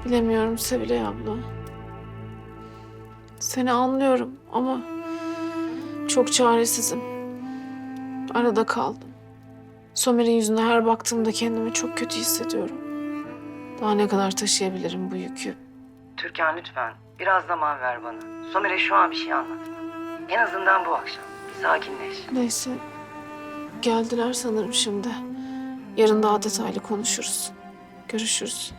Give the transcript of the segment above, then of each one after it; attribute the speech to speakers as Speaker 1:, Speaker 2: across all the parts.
Speaker 1: Bilemiyorum Sevilay abla. Seni anlıyorum ama çok çaresizim. Arada kaldım. Somer'in yüzüne her baktığımda kendimi çok kötü hissediyorum. Daha ne kadar taşıyabilirim bu yükü?
Speaker 2: Türkan lütfen biraz zaman ver bana. Somer'e şu an bir şey anlatma. En azından bu akşam. Bir sakinleş.
Speaker 1: Neyse, geldiler sanırım şimdi. Yarın daha detaylı konuşuruz. Görüşürüz.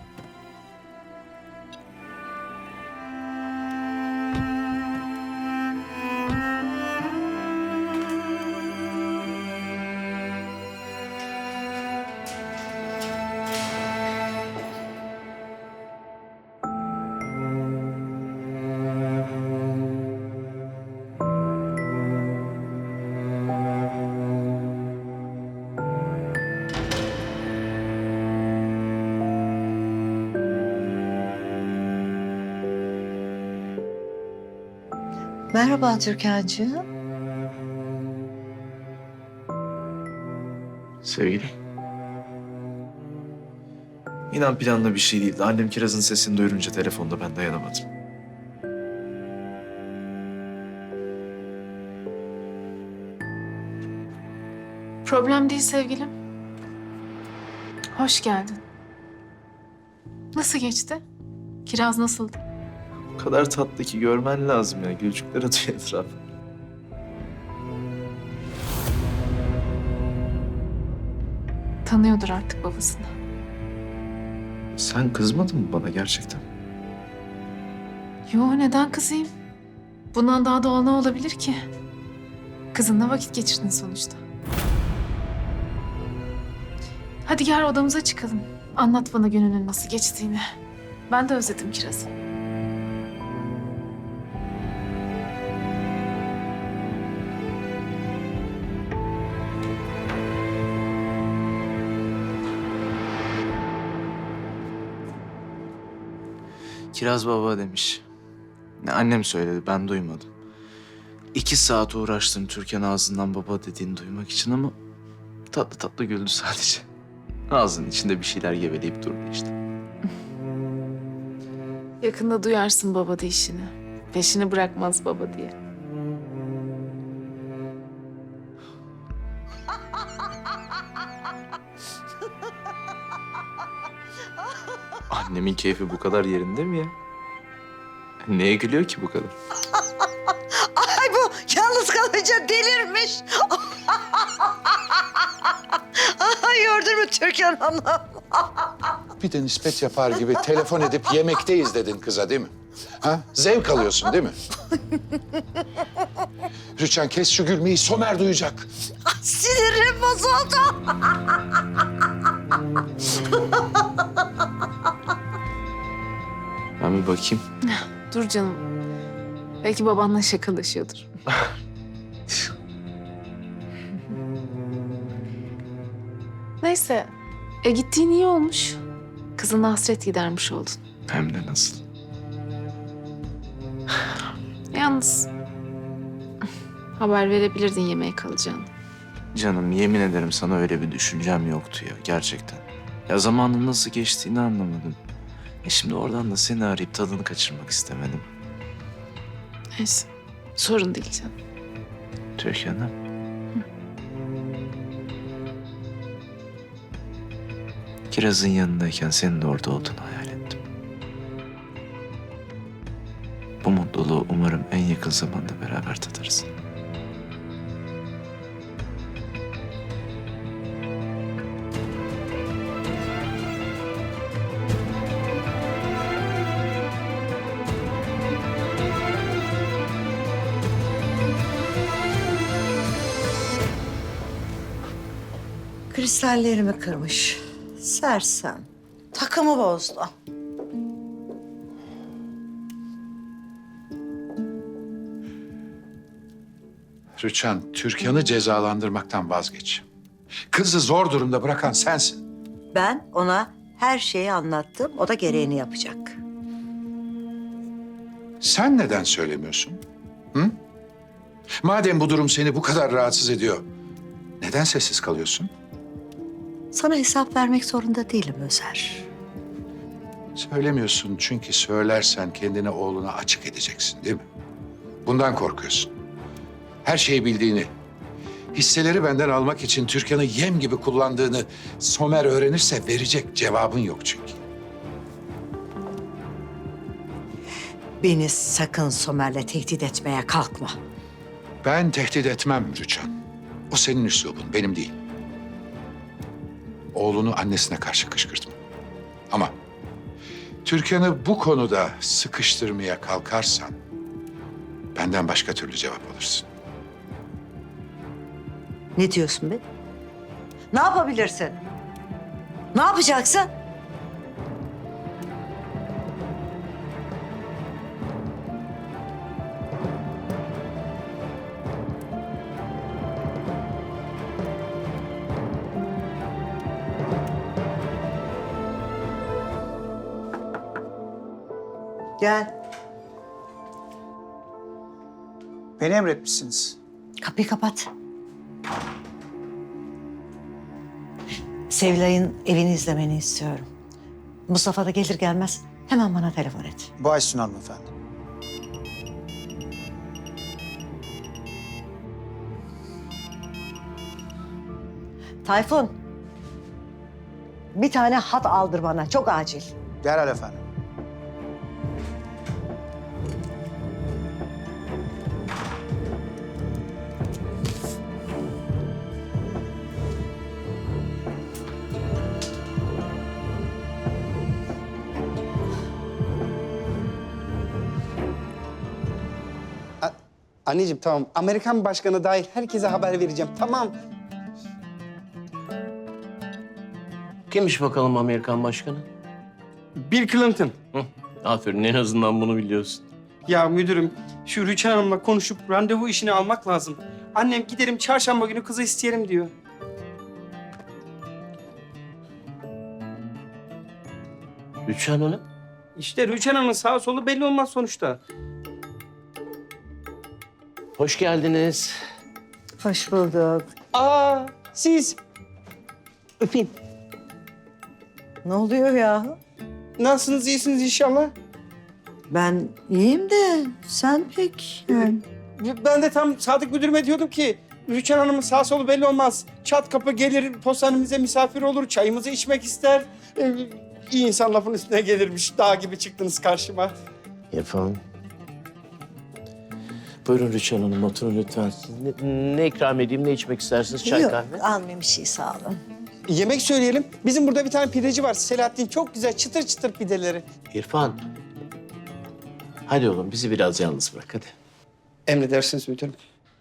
Speaker 3: Merhaba Türkan'cığım.
Speaker 4: Sevgilim. İnan planlı bir şey değildi. Annem Kiraz'ın sesini duyurunca telefonda ben dayanamadım.
Speaker 1: Problem değil sevgilim. Hoş geldin. Nasıl geçti? Kiraz nasıldı?
Speaker 4: O kadar tatlı ki görmen lazım ya. Gülcükler atıyor etrafa.
Speaker 1: Tanıyordur artık babasını.
Speaker 4: Sen kızmadın mı bana gerçekten?
Speaker 1: Yo, neden kızayım? Bundan daha doğal ne olabilir ki? Kızınla vakit geçirdin sonuçta. Hadi gel odamıza çıkalım. Anlat bana gününün nasıl geçtiğini. Ben de özledim Kiraz'ı.
Speaker 4: Kiraz baba demiş. Ne annem söyledi, ben duymadım. 2 saat uğraştım Türkan ağzından baba dediğini duymak için ama tatlı tatlı güldü sadece. Ağzının içinde bir şeyler geveleyip durdu işte.
Speaker 1: Yakında duyarsın baba deyişini. Peşini bırakmaz baba diye.
Speaker 4: Annemin keyfi bu kadar yerinde mi ya? Neye gülüyor ki bu kadar?
Speaker 3: Ay bu yalnız kalınca delirmiş. Ay gördün mü Türkan Hanım?
Speaker 5: Bir de nispet yapar gibi telefon edip yemekteyiz dedin kıza değil mi? Ha? Zevk alıyorsun değil mi? Rüçhan kes şu gülmeyi, Somer duyacak.
Speaker 3: Ay, sinirim bozuldu.
Speaker 4: Ben bir bakayım.
Speaker 1: Dur canım. Belki babanla şakalaşıyordur. Neyse. Gittiğin iyi olmuş. Kızına hasret gidermiş oldun.
Speaker 4: Hem de nasıl?
Speaker 1: Yalnız haber verebilirdin yemeğe kalacağını.
Speaker 4: Canım yemin ederim sana öyle bir düşüncem yoktu ya gerçekten. Ya zamanın nasıl geçtiğini anlamadım. Şimdi oradan da seni arayıp tadını kaçırmak istemedim.
Speaker 1: Neyse. Sorun değil canım.
Speaker 4: Türkan'ım. Kiraz'ın yanındayken senin de orada olduğunu hayal ettim. Bu mutluluğu umarım en yakın zamanda beraber tadarız.
Speaker 3: Kristallerimi kırmış. Sersem. Takımı bozdu.
Speaker 5: Rüçhan, Türkan'ı cezalandırmaktan vazgeç. Kızı zor durumda bırakan sensin.
Speaker 3: Ben ona her şeyi anlattım. O da gereğini yapacak.
Speaker 5: Sen neden söylemiyorsun? Hı? Madem bu durum seni bu kadar rahatsız ediyor, neden sessiz kalıyorsun?
Speaker 3: Sana hesap vermek zorunda değilim Özer.
Speaker 5: Söylemiyorsun çünkü söylersen kendini oğluna açık edeceksin değil mi? Bundan korkuyorsun. Her şeyi bildiğini, hisseleri benden almak için Türkan'ı yem gibi kullandığını Somer öğrenirse verecek cevabın yok çünkü.
Speaker 3: Beni sakın Somer'le tehdit etmeye kalkma.
Speaker 5: Ben tehdit etmem Rüçhan. O senin üslubun, benim değil. Oğlunu annesine karşı kışkırtma. Ama Türkan'ı bu konuda sıkıştırmaya kalkarsan benden başka türlü cevap alırsın.
Speaker 3: Ne diyorsun be? Ne yapabilirsin? Ne yapacaksın? Gel.
Speaker 6: Beni emretmişsiniz.
Speaker 3: Kapıyı kapat. Sevilay'ın evini izlemeni istiyorum. Mustafa da gelir gelmez hemen bana telefon et.
Speaker 6: Bağışsın hanımefendi.
Speaker 3: Tayfun. Bir tane hat aldır bana. Çok acil.
Speaker 6: Derhal efendim.
Speaker 7: Anneciğim tamam. Amerikan başkanı dahil herkese haber vereceğim. Tamam.
Speaker 8: Kimmiş bakalım Amerikan başkanı?
Speaker 7: Bill Clinton.
Speaker 8: Hı, aferin, en azından bunu biliyorsun.
Speaker 7: Ya müdürüm, şu Rüçhan Hanım'la konuşup randevu işini almak lazım. Annem giderim çarşamba günü kızı isteyelim diyor.
Speaker 8: Rüçhan Hanım.
Speaker 7: İşte Rüçhan Hanım'ın sağ solu belli olmaz sonuçta.
Speaker 8: Hoş geldiniz.
Speaker 3: Hoş bulduk.
Speaker 7: Aa, siz
Speaker 3: Öpeyim. Ne oluyor ya?
Speaker 7: nasılsınız, iyisiniz inşallah?
Speaker 3: Ben iyiyim de sen pek yani.
Speaker 7: Ben de tam Sadık müdürüme diyordum ki Rüçhan Hanım'ın sağ solu belli olmaz. Çat kapı gelir, postanemize misafir olur, çayımızı içmek ister. İyi insan lafın üstüne gelirmiş. Dağ gibi çıktınız karşıma.
Speaker 8: Yapalım. Buyurun Rüçhan Hanım, oturun lütfen. Ne ikram edeyim, ne içmek istersiniz? Çay,
Speaker 3: Yok,
Speaker 8: kahve?
Speaker 3: almayayım bir şey sağ olun.
Speaker 7: Yemek söyleyelim. Bizim burada bir tane pideci var. Selahattin çok güzel çıtır çıtır pideleri.
Speaker 8: İrfan. Hadi oğlum, bizi biraz yalnız bırak, hadi.
Speaker 7: Emredersiniz müdürüm.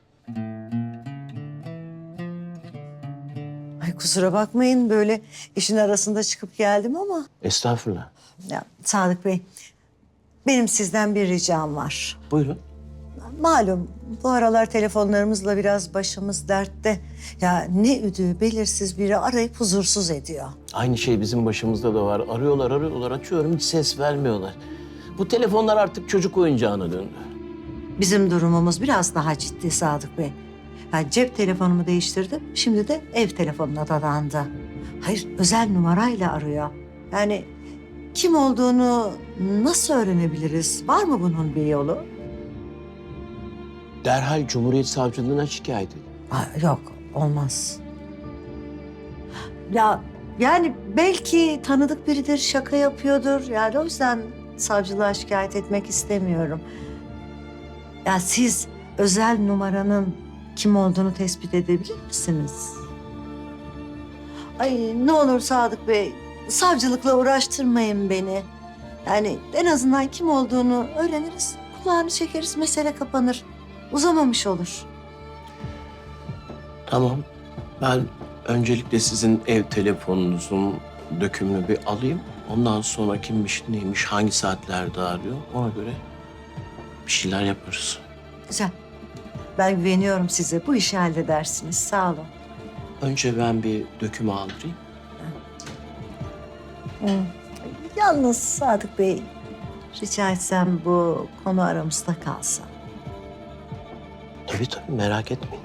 Speaker 3: Ay kusura bakmayın böyle işin arasında çıkıp geldim ama.
Speaker 8: Estağfurullah.
Speaker 3: Ya Sadık Bey, benim sizden bir ricam var.
Speaker 8: Buyurun.
Speaker 3: Malum bu aralar telefonlarımızla biraz başımız dertte. Ya ne üdüğü belirsiz biri arayıp huzursuz ediyor.
Speaker 8: Aynı şey bizim başımızda da var. Arıyorlar, açıyorum, hiç ses vermiyorlar. Bu telefonlar artık çocuk oyuncağına döndü.
Speaker 3: Bizim durumumuz biraz daha ciddi Sadık Bey. Yani cep telefonumu değiştirdim, şimdi de ev telefonuna dadandı. Hayır, özel numarayla arıyor. Yani kim olduğunu nasıl öğrenebiliriz? Var mı bunun bir yolu?
Speaker 8: Derhal Cumhuriyet Savcılığına şikayet edin.
Speaker 3: Yok, olmaz. Ya yani belki tanıdık biridir, şaka yapıyordur. Yani o yüzden savcılığa şikayet etmek istemiyorum. Ya siz özel numaranın kim olduğunu tespit edebilir misiniz? Ay ne olur Sadık Bey, savcılıkla uğraştırmayın beni. Yani en azından kim olduğunu öğreniriz, kulağını çekeriz, mesele kapanır. Uzamamış olur.
Speaker 8: Tamam. Ben öncelikle sizin ev telefonunuzun dökümünü bir alayım. Ondan sonra kimmiş, neymiş, hangi saatlerde arıyor ona göre bir şeyler yaparız.
Speaker 3: Güzel. Ben güveniyorum size. Bu işi halledersiniz. Sağ olun.
Speaker 8: Önce ben bir dökümü aldırayım.
Speaker 3: Yalnız Sadık Bey, rica etsem bu konu aramızda kalsa.
Speaker 8: Tabii merak etmeyin.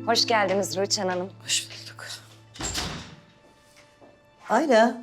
Speaker 9: Hoş geldiniz Rüçhan Hanım.
Speaker 3: Hoş bulduk. Ayla,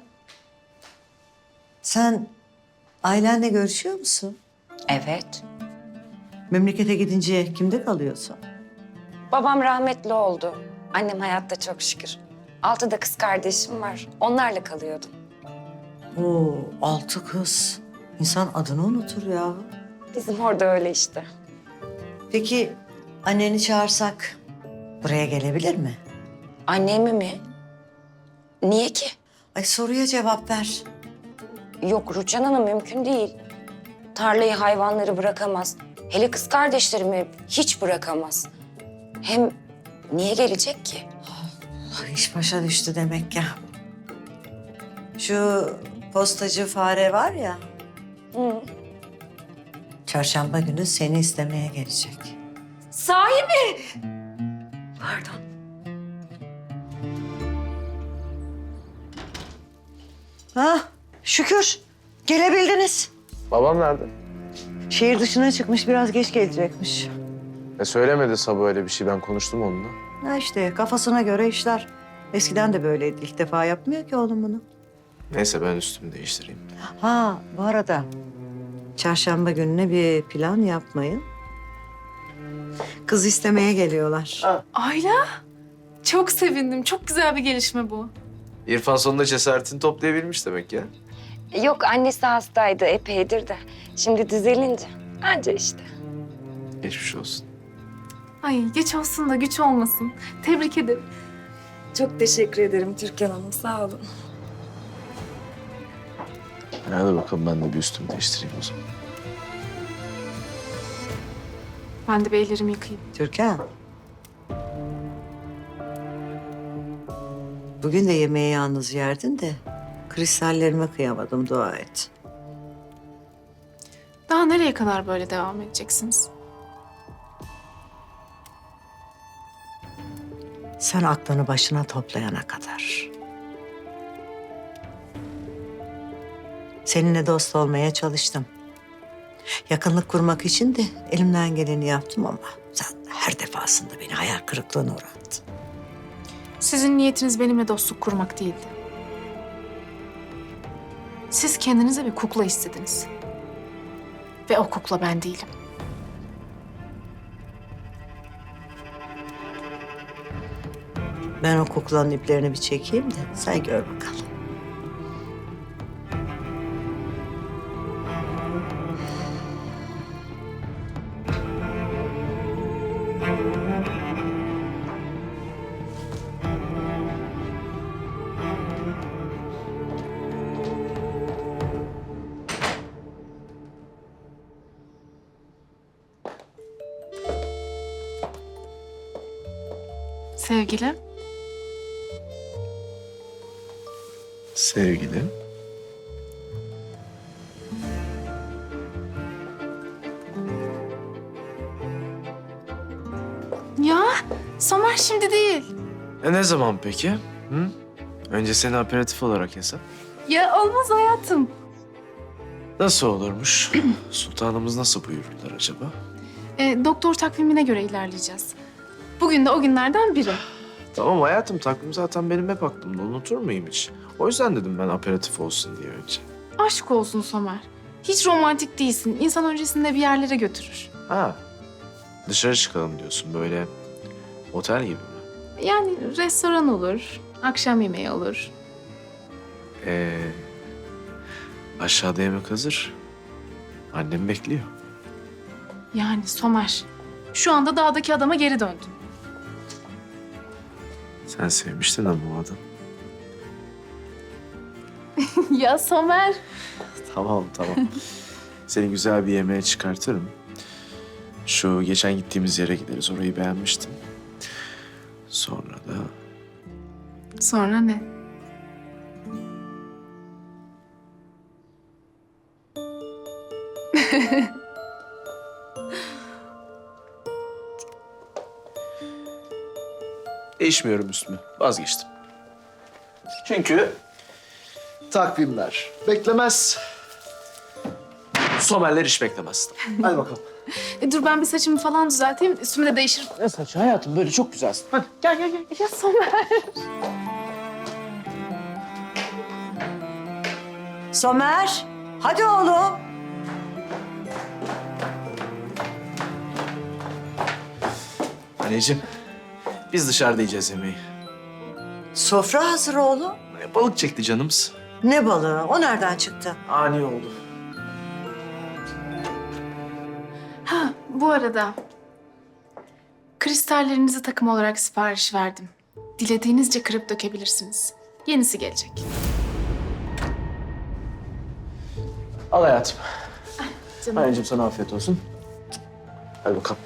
Speaker 3: sen ailenle görüşüyor musun?
Speaker 9: Evet.
Speaker 3: Memlekete gidince kimde kalıyorsun?
Speaker 9: Babam rahmetli oldu. Annem hayatta çok şükür. 6 da kız kardeşim var. Onlarla kalıyordum.
Speaker 3: Oo, 6 kız. İnsan adını unutur ya.
Speaker 9: Bizim orada öyle işte.
Speaker 3: Peki anneni çağırsak buraya gelebilir mi?
Speaker 9: Annemi mi? Niye ki?
Speaker 3: Ay soruya cevap ver.
Speaker 9: Yok Rüçhan Hanım mümkün değil. Tarlayı hayvanları bırakamaz. Hele kız kardeşlerimi hiç bırakamaz. Hem niye gelecek ki?
Speaker 3: Ay, iş başa düştü demek ya. Şu postacı fare var ya,
Speaker 9: Hı.
Speaker 3: çarşamba günü seni istemeye gelecek.
Speaker 9: Sahi mi? Pardon.
Speaker 3: Ha, şükür gelebildiniz.
Speaker 4: Babam nerede?
Speaker 3: Şehir dışına çıkmış, biraz geç gelecekmiş.
Speaker 4: Söylemedi Sabah öyle bir şey. Ben konuştum onunla.
Speaker 3: Ha işte kafasına göre işler. Eskiden de böyleydi. İlk defa yapmıyor ki oğlum bunu.
Speaker 4: Neyse ben üstümü değiştireyim.
Speaker 3: Ha bu arada çarşamba gününe bir plan yapmayın. Kız istemeye geliyorlar.
Speaker 1: Ayla, çok sevindim. Çok güzel bir gelişme bu.
Speaker 4: İrfan sonunda cesaretini toplayabilmiş demek ya.
Speaker 9: Yok annesi hastaydı epeydir de. Şimdi düzelince anca işte.
Speaker 4: Geçmiş olsun.
Speaker 1: Ay geç olsun da güç olmasın. Tebrik ederim.
Speaker 9: Çok teşekkür ederim Türkan Hanım sağ olun.
Speaker 4: Hadi bakalım ben de bir üstümü değiştireyim o zaman.
Speaker 1: Ben de bir ellerimi yıkayayım.
Speaker 3: Türkan. Bugün de yemeği yalnız yerdin de kristallerime kıyamadım, dua et.
Speaker 1: Daha nereye kadar böyle devam edeceksiniz?
Speaker 3: Sen aklını başına toplayana kadar. Seninle dost olmaya çalıştım. Yakınlık kurmak için de elimden geleni yaptım ama sen her defasında beni hayal kırıklığına uğrattın.
Speaker 1: Sizin niyetiniz benimle dostluk kurmak değildi. Siz kendinize bir kukla istediniz. Ve o kukla ben değilim.
Speaker 3: Ben o kuklanın iplerini bir çekeyim de sen gör bakalım.
Speaker 1: Sevgilim.
Speaker 4: Sevgilim.
Speaker 1: Ya Somer şimdi değil.
Speaker 4: Ne zaman peki? Hı? Önce seni aperatif olarak hesap.
Speaker 1: Ya olmaz hayatım.
Speaker 4: Nasıl olurmuş? Sultanımız nasıl buyururlar acaba?
Speaker 1: Doktor takvimine göre ilerleyeceğiz. Bugün de o günlerden biri.
Speaker 4: Tamam hayatım, takvim zaten benim hep aklımda. Unutur muyum hiç? O yüzden dedim ben aperatif olsun diye önce.
Speaker 1: Aşk olsun Somer. Hiç romantik değilsin. İnsan öncesinde bir yerlere götürür.
Speaker 4: Ha, dışarı çıkalım diyorsun, böyle otel gibi mi?
Speaker 1: Yani restoran olur, akşam yemeği olur.
Speaker 4: Aşağıda yemek hazır. Annem bekliyor.
Speaker 1: Yani Somer, şu anda dağdaki adama geri döndün.
Speaker 4: Sen sevmiştin ama o adam.
Speaker 1: Ya Somer.
Speaker 4: Tamam. Seni güzel bir yemeğe çıkartırım. Şu geçen gittiğimiz yere gideriz. Orayı beğenmiştim. Sonra da
Speaker 1: Sonra ne?
Speaker 4: değişmiyorum üstümü. Vazgeçtim. Çünkü takvimler beklemez. Somerler hiç beklemez. Hadi bakalım.
Speaker 1: Dur ben bir saçımı falan düzelteyim. Üstümü de değişiririm.
Speaker 4: Ne saçı hayatım, böyle çok güzelsin. Hadi gel gel gel.
Speaker 1: Ya Somer.
Speaker 3: Somer, hadi oğlum.
Speaker 4: Anneciğim, biz dışarıda yiyeceğiz yemeği.
Speaker 3: Sofra hazır oğlum.
Speaker 4: Balık çekti canımız.
Speaker 3: Ne balığı? O nereden çıktı?
Speaker 4: Ani oldu.
Speaker 10: Ha, bu arada kristallerinizi takım olarak sipariş verdim. Dilediğinizce kırıp dökebilirsiniz. Yenisi gelecek.
Speaker 4: Al hayatım.
Speaker 10: Canım.
Speaker 4: Anneciğim sana afiyet olsun. Hadi bakalım.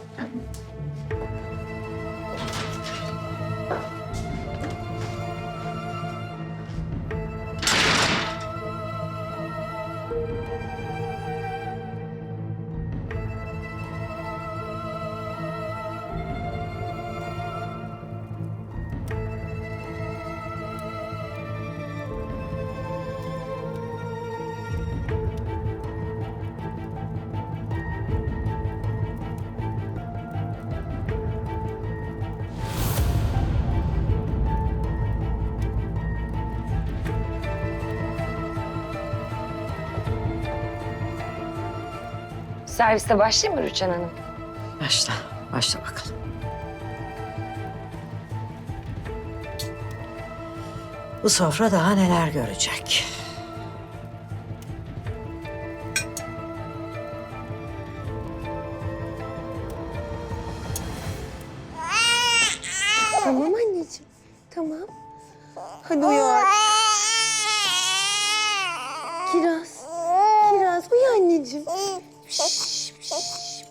Speaker 9: Serviste başlayayım mı Rüçhan Hanım?
Speaker 3: Başla, başla bakalım. Bu sofra daha neler görecek.
Speaker 11: Tamam anneciğim, tamam. Hadi uyan. Kiraz uyu anneciğim. Şş, şş.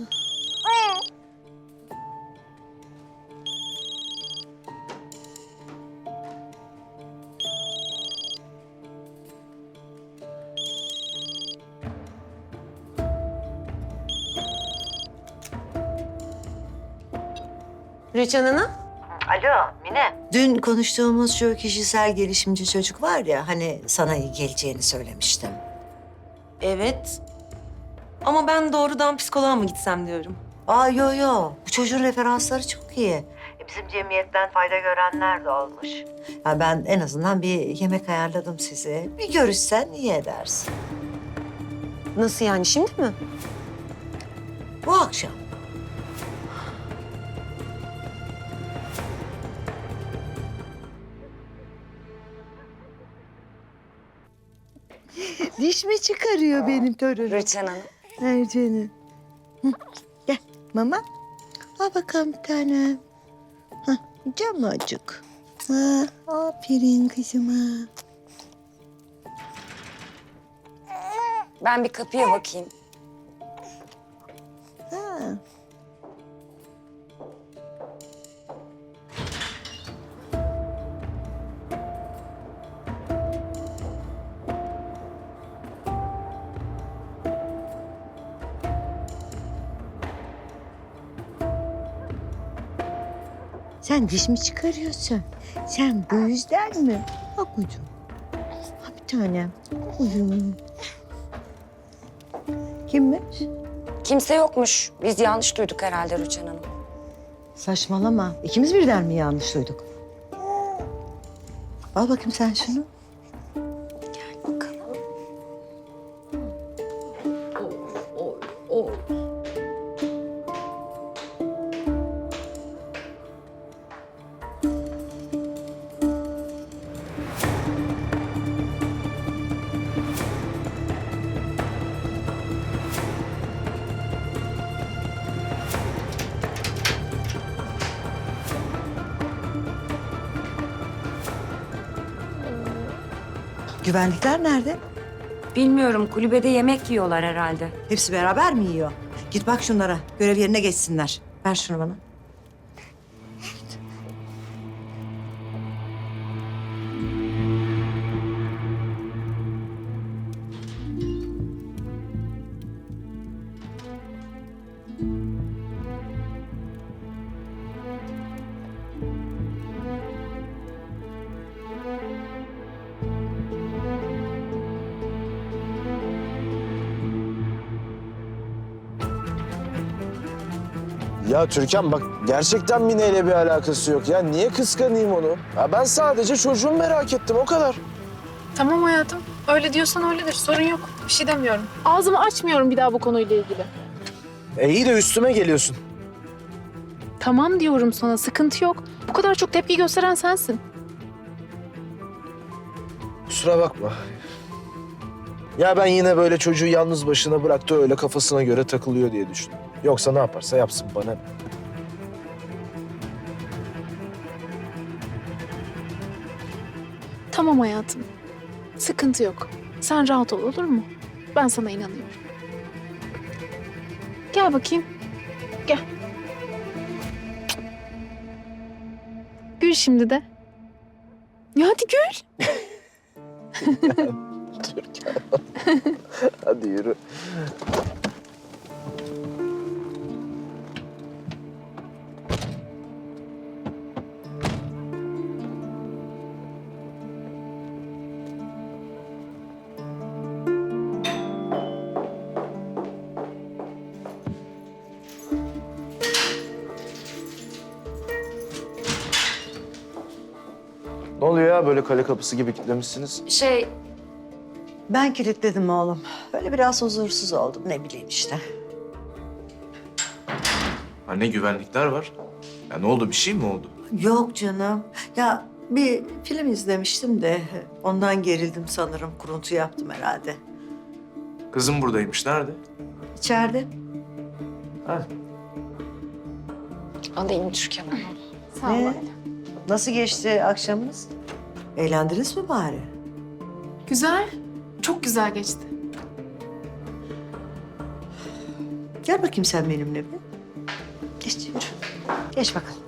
Speaker 11: Rüçhan Hanım.
Speaker 3: Alo Mine. Dün konuştuğumuz şu kişisel gelişimci çocuk var ya, hani sana iyi geleceğini söylemiştim.
Speaker 11: Evet. Ama ben doğrudan psikoloğa mı gitsem diyorum.
Speaker 3: Aa yo, bu çocuğun referansları çok iyi. Bizim cemiyetten fayda görenler de olmuş. Ya ben en azından bir yemek ayarladım size. Bir görüşsen iyi edersin.
Speaker 11: Nasıl yani, şimdi mi?
Speaker 3: Bu akşam. Diş mi çıkarıyor benim torunum?
Speaker 9: Rüçhan Hanım.
Speaker 3: Ay canım. Hı, gel mama. Al bakalım bir tane. Hah, camacık. Ha, aferin kızıma.
Speaker 9: Ben bir kapıya bakayım.
Speaker 3: Ha. Sen diş mi çıkarıyorsun? Sen bu yüzden mi? Bak ucum. Ha bir tane. Ucum. Kimmiş?
Speaker 9: Kimse yokmuş. Biz yanlış duyduk herhalde Rüçhan Hanım.
Speaker 3: Saçmalama. İkimiz birden mi yanlış duyduk? Al bakayım sen şunu.
Speaker 9: Bakalım.
Speaker 3: Güvenlikler nerede?
Speaker 9: Bilmiyorum, kulübede yemek yiyorlar herhalde.
Speaker 3: Hepsi beraber mi yiyor? Git bak şunlara. Görev yerine geçsinler. Ver şunu bana.
Speaker 12: Ya Türkan bak gerçekten Mine ile bir alakası yok ya. Niye kıskanayım onu? Ya ben sadece çocuğumu merak ettim o kadar.
Speaker 10: Tamam hayatım. Öyle diyorsan öyledir. Sorun yok. Bir şey demiyorum. Ağzımı açmıyorum bir daha bu konuyla ilgili.
Speaker 12: İyi de üstüme geliyorsun.
Speaker 10: Tamam diyorum sana. Sıkıntı yok. Bu kadar çok tepki gösteren sensin.
Speaker 12: Kusura bakma. Ya ben yine böyle çocuğu yalnız başına bıraktı öyle kafasına göre takılıyor diye düşündüm. Yoksa ne yaparsa yapsın bana ne?
Speaker 10: Tamam hayatım. Sıkıntı yok. Sen rahat ol, olur mu? Ben sana inanıyorum. Gel bakayım. Gel. Gül şimdi de. Ya hadi gül.
Speaker 12: Türkan. Hadi yürü. Ne oluyor ya böyle kale kapısı gibi kilitlemişsiniz?
Speaker 3: Ben kilitledim oğlum. Öyle biraz huzursuz oldum ne bileyim işte.
Speaker 4: Anne güvenlikler var. Ya ne oldu, bir şey mi oldu?
Speaker 3: Yok canım. Ya bir film izlemiştim de ondan gerildim sanırım. Kuruntu yaptım herhalde.
Speaker 4: Kızım buradaymış, nerede?
Speaker 3: İçeride.
Speaker 9: Alayım Türkan Hanım.
Speaker 10: Sağ ol.
Speaker 3: Ee?
Speaker 10: anne.
Speaker 3: Nasıl geçti akşamınız? Eğlendiniz mi bari?
Speaker 10: Güzel. Çok güzel geçti.
Speaker 3: Gel bakayım sen benimle bir. Geç yürü. Geç bakalım.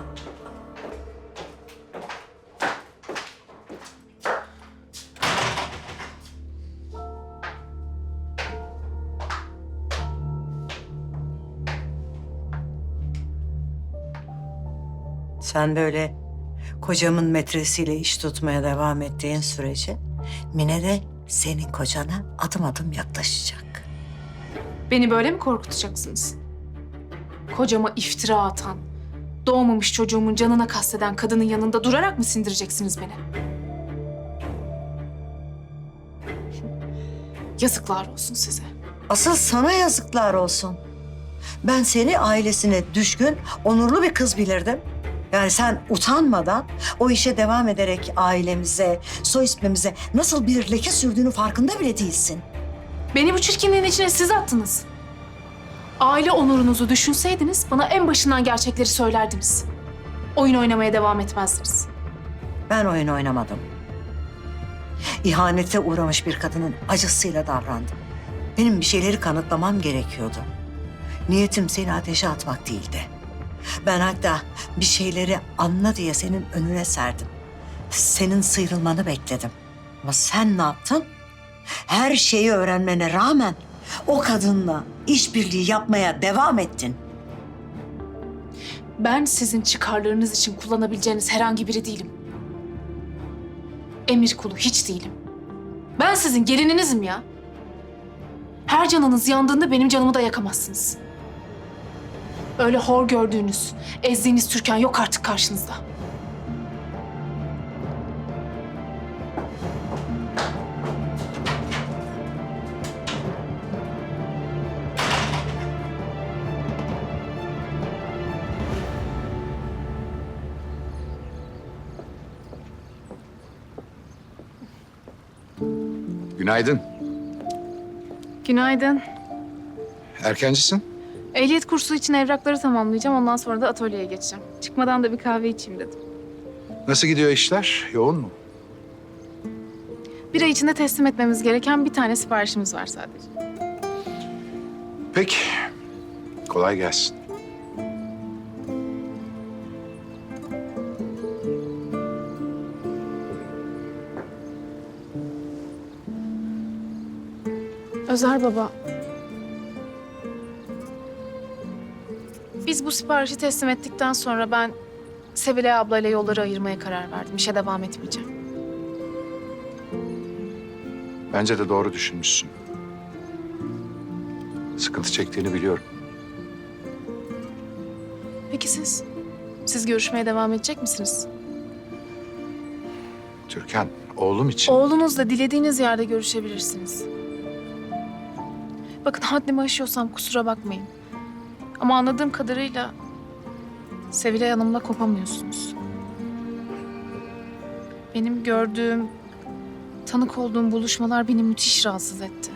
Speaker 3: Sen böyle kocamın metresiyle iş tutmaya devam ettiğin sürece Mine de senin kocana adım adım yaklaşacak.
Speaker 10: Beni böyle mi korkutacaksınız? Kocama iftira atan, doğmamış çocuğumun canına kasteden kadının yanında durarak mı sindireceksiniz beni? Yazıklar olsun size.
Speaker 3: Asıl sana yazıklar olsun. Ben seni ailesine düşkün, onurlu bir kız bilirdim. Yani sen utanmadan o işe devam ederek ailemize, soy ismimize nasıl bir leke sürdüğünü farkında bile değilsin.
Speaker 10: Beni bu çirkinliğin içine siz attınız. Aile onurunuzu düşünseydiniz bana en başından gerçekleri söylerdiniz. Oyun oynamaya devam etmezdiniz.
Speaker 3: Ben oyun oynamadım. İhanete uğramış bir kadının acısıyla davrandım. Benim bir şeyleri kanıtlamam gerekiyordu. Niyetim seni ateşe atmak değildi. Ben hatta bir şeyleri anla diye senin önüne serdim. Senin sıyrılmanı bekledim. Ama sen ne yaptın? Her şeyi öğrenmene rağmen o kadınla işbirliği yapmaya devam ettin.
Speaker 10: Ben sizin çıkarlarınız için kullanabileceğiniz herhangi biri değilim. Emir kulu hiç değilim. Ben sizin gelininizim ya. Her canınız yandığında benim canımı da yakamazsınız. Öyle hor gördüğünüz, ezdiğiniz Türkan yok artık karşınızda.
Speaker 5: Günaydın.
Speaker 10: Günaydın.
Speaker 5: Erkencisin.
Speaker 10: Ehliyet kursu için evrakları tamamlayacağım. Ondan sonra da atölyeye geçeceğim. Çıkmadan da bir kahve içeyim dedim.
Speaker 5: Nasıl gidiyor işler? Yoğun mu?
Speaker 10: Bir ay içinde teslim etmemiz gereken bir tane siparişimiz var sadece.
Speaker 5: Peki. Kolay gelsin.
Speaker 10: Özer baba. Biz bu siparişi teslim ettikten sonra ben Sevilay ablayla yolları ayırmaya karar verdim. İşe devam etmeyeceğim.
Speaker 5: Bence de doğru düşünmüşsün. Sıkıntı çektiğini biliyorum.
Speaker 10: Peki siz? Siz görüşmeye devam edecek misiniz?
Speaker 5: Türkan, oğlum için...
Speaker 10: Oğlunuzla dilediğiniz yerde görüşebilirsiniz. Bakın haddimi aşıyorsam kusura bakmayın. Ama anladığım kadarıyla Sevilay Hanım'la kopamıyorsunuz. Benim gördüğüm, tanık olduğum buluşmalar beni müthiş rahatsız etti.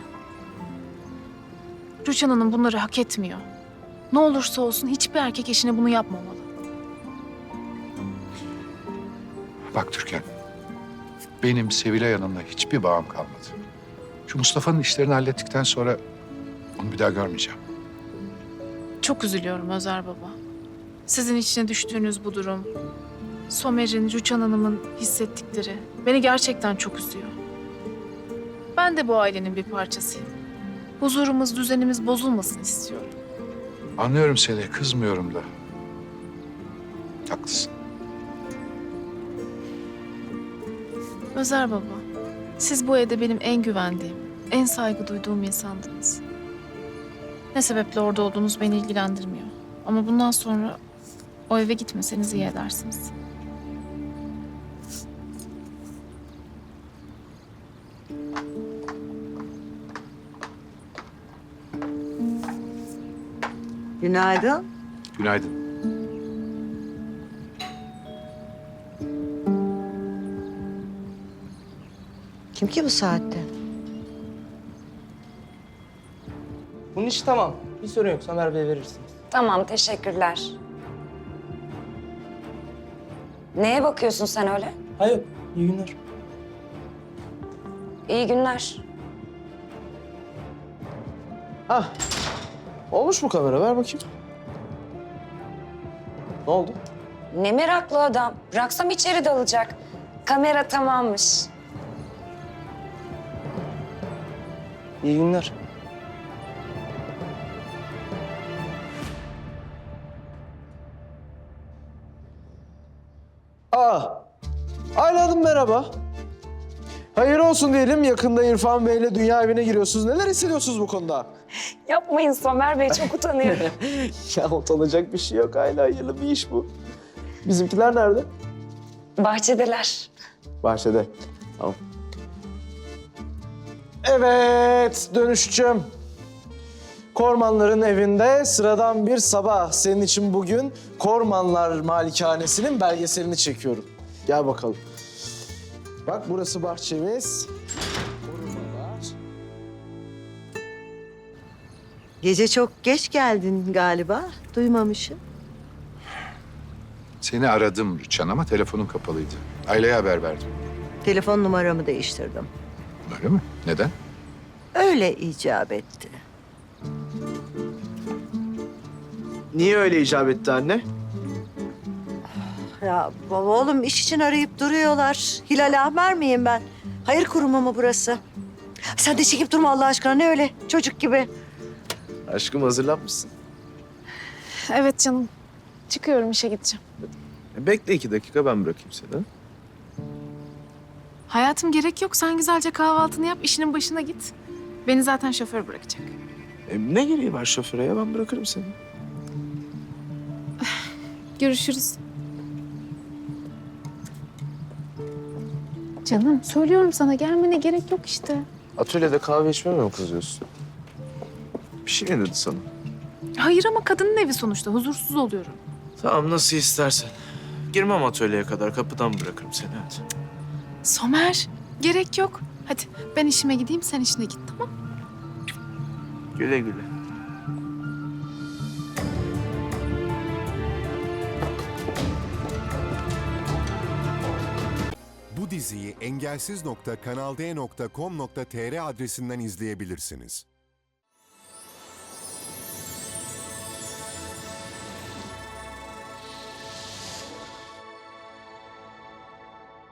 Speaker 10: Rüçhan Hanım bunları hak etmiyor. Ne olursa olsun hiçbir erkek eşine bunu yapmamalı.
Speaker 5: Bak Türkan, benim Sevilay Hanım'la hiçbir bağım kalmadı. Şu Mustafa'nın işlerini hallettikten sonra onu bir daha görmeyeceğim.
Speaker 10: Çok üzülüyorum Özer Baba. Sizin içine düştüğünüz bu durum, Somer'in, Rüçhan Hanım'ın hissettikleri beni gerçekten çok üzüyor. Ben de bu ailenin bir parçasıyım. Huzurumuz, düzenimiz bozulmasın istiyorum.
Speaker 5: Anlıyorum seni, kızmıyorum da. Haklısın.
Speaker 10: Özer Baba, siz bu evde benim en güvendiğim, en saygı duyduğum insandınız. Ne sebeple orada olduğunuz beni ilgilendirmiyor. Ama bundan sonra o eve gitmeseniz iyi edersiniz.
Speaker 3: Günaydın.
Speaker 5: Günaydın.
Speaker 3: Kim ki bu saatte?
Speaker 13: Bunun işi tamam. Bir sorun yok. Somer Bey'e verirsiniz.
Speaker 9: Tamam, teşekkürler. Neye bakıyorsun sen öyle?
Speaker 13: Hayır, iyi günler.
Speaker 9: İyi günler.
Speaker 12: Hah. Olmuş mu kamera? Ver bakayım. Ne oldu?
Speaker 9: Ne meraklı adam. Bıraksam içeri dalacak. Kamera tamammış.
Speaker 13: İyi günler.
Speaker 12: Ayla Hanım merhaba. Hayır olsun diyelim. Yakında İrfan Bey'le dünya evine giriyorsunuz. Neler hissediyorsunuz bu konuda?
Speaker 9: Yapmayın Somer Bey, çok utanıyorum.
Speaker 12: Ya utanacak bir şey yok Ayla. Hayırlı bir iş bu. Bizimkiler nerede?
Speaker 9: Bahçedeler.
Speaker 12: Bahçede. Tamam. Evet dönüşçüm. Kormanların evinde sıradan bir sabah. Senin için bugün Kormanlar Malikanesi'nin belgeselini çekiyorum. Gel bakalım. Bak burası bahçemiz. Korumalar.
Speaker 3: Gece çok geç geldin galiba. Duymamışım.
Speaker 5: Seni aradım Rüçhan ama telefonun kapalıydı. Aileye haber verdim.
Speaker 3: Telefon numaramı değiştirdim.
Speaker 5: Öyle mi? Neden?
Speaker 3: Öyle icap etti.
Speaker 12: Niye öyle icap etti anne?
Speaker 3: Ya baba oğlum iş için arayıp duruyorlar. Hilal Ahmer miyim ben? Hayır kurumu mu burası? Sen de çekip durma Allah aşkına. Ne öyle çocuk gibi?
Speaker 12: Aşkım hazırlanmışsın.
Speaker 10: Evet canım. Çıkıyorum, işe gideceğim.
Speaker 12: Bekle 2 dakika ben bırakayım seni.
Speaker 10: Hayatım gerek yok. Sen güzelce kahvaltını yap, işinin başına git. Beni zaten şoför bırakacak.
Speaker 12: Ne gereği var şoföre ya? Ben bırakırım seni.
Speaker 10: Görüşürüz. Canım söylüyorum sana, gelmene gerek yok işte.
Speaker 12: Atölyede kahve içmeme mi kızıyorsun? Bir şey mi dedi sana?
Speaker 10: Hayır ama kadının evi sonuçta, huzursuz oluyorum.
Speaker 12: Tamam nasıl istersen. Girmem atölyeye kadar kapıdan bırakırım seni hadi.
Speaker 10: Somer, gerek yok. Hadi ben işime gideyim, sen işine git, tamam?
Speaker 12: Güle güle.
Speaker 14: Bu diziyi engelsiz.kanalde.com.tr adresinden izleyebilirsiniz.